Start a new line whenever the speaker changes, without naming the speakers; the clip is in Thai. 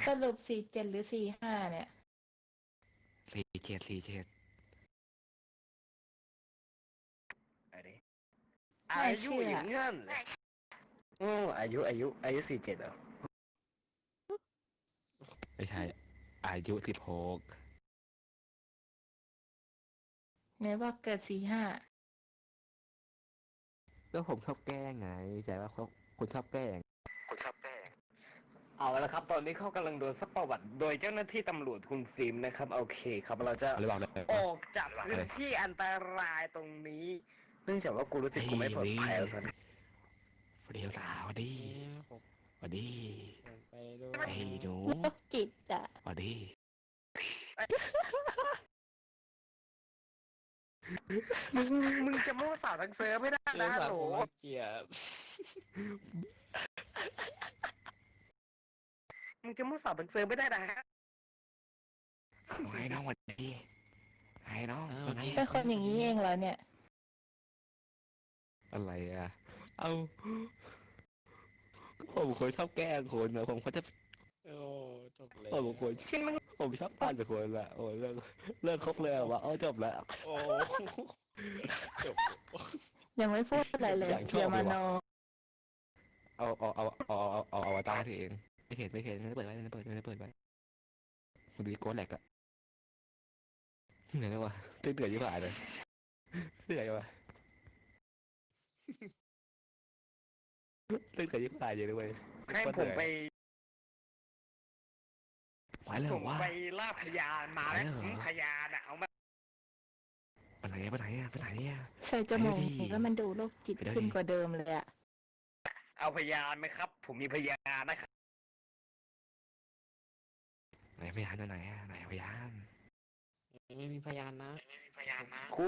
สรุป47หรือ45เนี่ย
47
อะไร
ไม่
อายุ
เชื่อ
อย่างงั้นเลยอายุ47เหรอ
ไม่ใช่อายุ16
ไหนบอกเกิด45
แล้วผมชอบแกล้งไงใจว่าคนชอบแกล้ง
เอาละครับตอนนี้เขากำลังโดนซักประวัติโดยเจ้าหน้าที่ตำรวจคุณฟิล์มนะครับโอเคครับเราจะ
อะไรบอกเลย
ออกจากพื้นที่อันตรายตรงนี้เนื่องจากว่ากูรู้สึกกูไม่ปลอดภัยแล้วสิ
สวัสดีสาวสวัสดีสวัสดี
ไปด้ว
ไอ้
ย
หนู
โรคจิตอ่ะ
สวัสดี
มึงจะมั่วสาวทั้งเซิร์ฟไม่ได้นะฮัลโหล
เกียบ
มึงจะมั่วสาวทั้งเซิร์ฟไม่ได้นะฮะ
ไอ้น้องสวัสดีไอ้น้องเป็นไง
เป็นคนอย่างนี้เองเหรอเนี่ย
อะไรอ่ะเอาผมเคยชอบแกล้งคนนะผมเขาจะ
โอ้จบเลย
ผมคน
ชินมึง
ผมชอบปั่นกับคนละโอ้เลิกคบเลยว่าจบแล้ว
โอ้จบ
ยังไม่พูดอะไรเลย
อย่างชอบ
เดี๋ยวมา
เลยว่ะ
โน
เอาอวตารให้ตัวเองไม่เห็นไม่ได้เปิดไว้ไม่ได้เปิดไว้มันดีโกนแหลกอะเหนื่อยแล้ววะเหนื่อยยิ่งกว่าเลยเหนื่อยวะเหนื่อยยิ่งกว่าเยอะเลยเว้ย
ให้ผมไป
ไหวเลย
ผม
ว่า
ไปล่าพยานมาแล้ว
ไปเหรอ
พยานอะเอามา
ไปไหนอะไปไหนอะไปไหนอะ
ใส่จมูก
ไปดูดิ
แล้วมันดูโรคจิต
ไปดูดิ
ขึ้นกว่าเดิมเลยอ่ะ
เอาพยานไหมครับ ผมมีพยานนะครับ
ไหนพยานตัวไหนอะไหนพยาน
ไม่มีพยานนะ
คุณ